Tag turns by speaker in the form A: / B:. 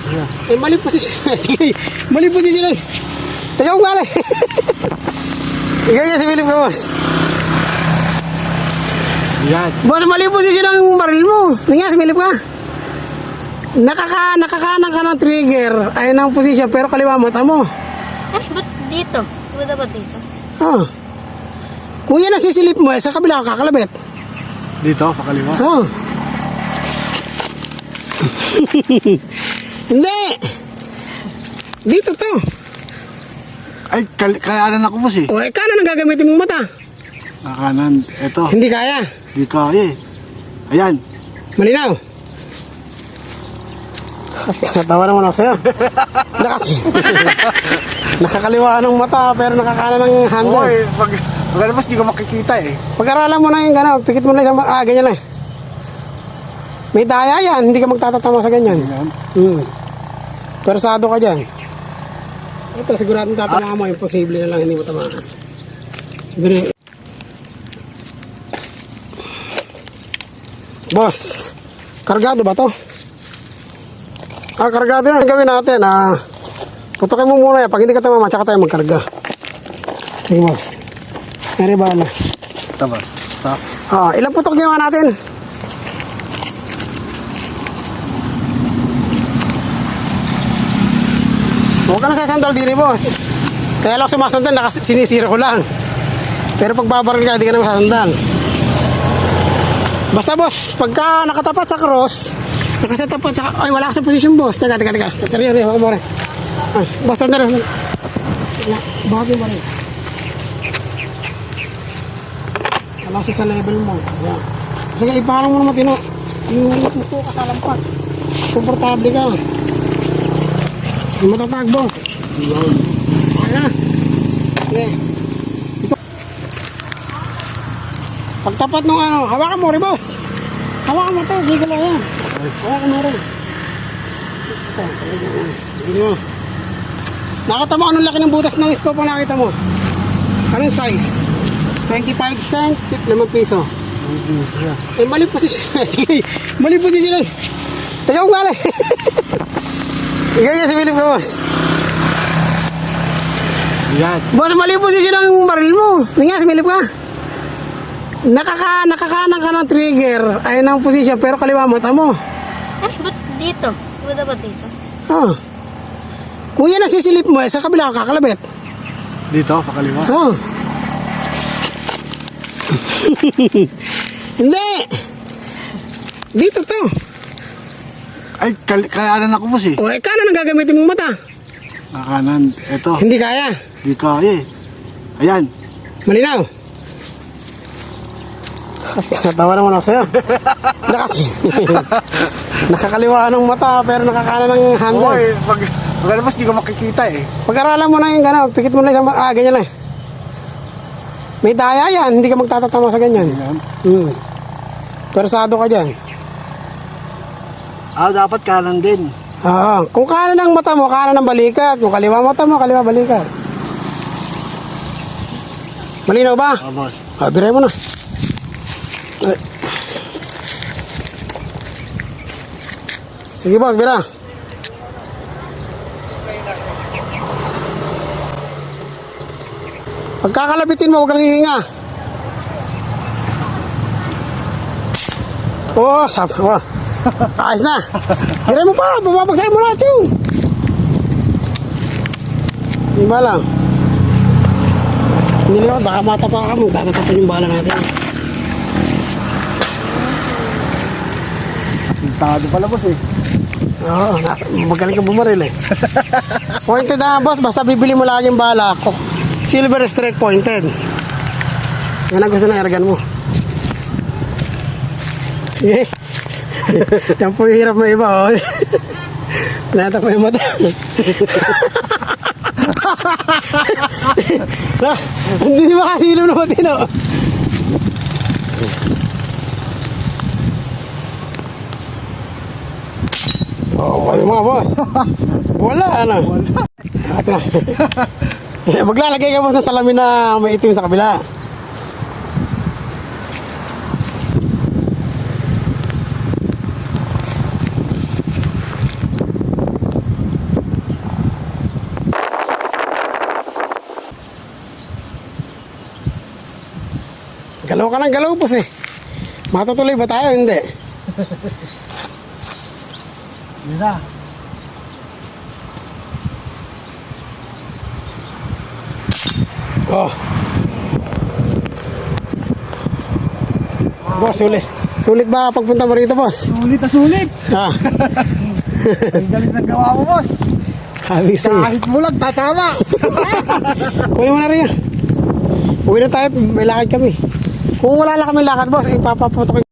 A: Eh, mali posisyon. Mali posisyon. Teka ko galing. Ikaw yan si Philip ka, boss.
B: Yan.
A: Boss, mali posisyon ang baril mo. Nangyari si Philip ka. Nakakanan ka ng trigger. Ayun ang posisyon, pero kaliwa mata mo.
C: Eh, ba't dito? Ba't dapat dito?
A: Oh. Kung yan ang sisilip mo, sa kabila ka kakalabit.
B: Dito, pakaliwa.
A: Oh. Hindi. Dito to.
B: Ay, kayanan ako boss eh.
A: O, kanan ang gagamitin mong mata.
B: Kanan, eto.
A: Hindi kaya.
B: Di kaya eh. Ayan.
A: Malinaw. Natawa naman ako sa'yo. Hindi kasi. Nakakaliwa ng mata pero nakakanan ng handle.
B: Oo eh, pag di ko makikita eh.
A: Pag-aralan mo na yung gano'n, pikit mo na isang, ganyan na. May daya yan, hindi ka magtatatama sa ganyan.
B: Ayan.
A: Persado ka dyan. Ito, siguradong tatama mo, imposible na lang hindi mo tamaan. Boss, kargado ba to? Kargado yan. Gawin natin, putukin mo muna yan. Pag hindi ka tamama, tsaka tayo magkarga. Sige, boss. Eri ba na?
B: Tapos.
A: Ilang putok ginawa natin? Huwag ka na sasandal diri, boss. Kaya lang sumasandal, sinisira ko lang. Pero pag babaril ka, hindi ka na masasandal. Basta, boss, pagka nakatapat sa cross, nakasatapat sa... Ay, wala ka sa posisyon, boss. Teka. Rio, huwag mo rin. Ay, boss, tanda rin. Bakit mo rin? Wala siya sa level mo. Ayan. Sige, iparang mo naman tino. Yung puto ka sa lampat. Komportable ka. Yung matatagbo. Ayan. Sige. Ito. Pagtapat nung hawakan mo rin, boss. Hawakan mo ito. Hindi ko lang yan. Hawakan mo rin. Ito. Hindi mo. Nakita mo anong laki ng butas ng scope ang nakita mo? Anong size? 25 cent, 5 piso. Eh, mali posisyon. Mali posisyon. Teka ko galing. Ikaw yan si Philip ka, boss.
B: Yan.
A: Boss, mali posisyon ang baril mo. Nangyari si Philip ka. Nakakanan ka ng trigger. Ayun ang posisyon, pero kaliwa mata mo.
C: Eh, ba't dito? Ba't dapat dito?
A: Oh. Kung yan ang sisilip mo, sa kabila ka kakalabit.
B: Dito, pakaliwa.
A: Oh. Hindi. Dito to.
B: Ay, kayanan ako boss eh.
A: O, kanan ang gagamitin mong mata.
B: Kanan, eto.
A: Hindi kaya.
B: Di kaya eh. Ayan.
A: Malinaw. Natawa naman ako sa'yo. Hindi kasi. Nakakaliwa ng mata pero nakakanan ng handle.
B: Oo eh, pag di ko makikita eh.
A: Pag-aralan mo na yung gano'n, pikit mo na isang, ganyan na. May daya yan, hindi ka magtatatama sa ganyan. Persado ka dyan.
B: Dapat kanan din.
A: Kung kanan ang mata mo, kanan ang balikat. Kung kaliwa mata mo, kaliwa balikat. Malinaw ba?
B: Boss.
A: Biray mo na. Sige, boss, bira. Pagkakalabitin mo, huwag kang hihinga. Sabi mo. Ayos na. Biray mo pa, bababagsakin mo na, chong. Hindi ba lang? Hindi liwat, baka matapa ka mo. Tatatapan yung bala natin.
B: Tado pala boss eh.
A: Oo, magaling kang bumaril eh. Pointed na, boss, basta bibili mo lagi yung bala. Silver strike pointed. Yan ang gusto na airgun mo. Okay. Yan po yung hirap na iba, oh. Nata po yung mata. Hindi makasilom na matino. Kayo mga boss. Wala, ano? Maglalagay ka boss ng salamin na may itim sa kabila. Galaw ka ng galaw, boss eh. Matutuloy ba tayo? Hindi.
B: Yun na.
A: Oh. Boss, sulit. Sulit ba pagpunta mo rito, boss?
B: Sulit na sulit.
A: Ah,
B: Ang galing ng gawa mo, boss.
A: sabi sa'yo.
B: Kahit bulag, tatama.
A: Kunin mo na rin yan. Uwi na tayo, may lakad kami. Kung wala lang kami lakad, boss, ipapaputok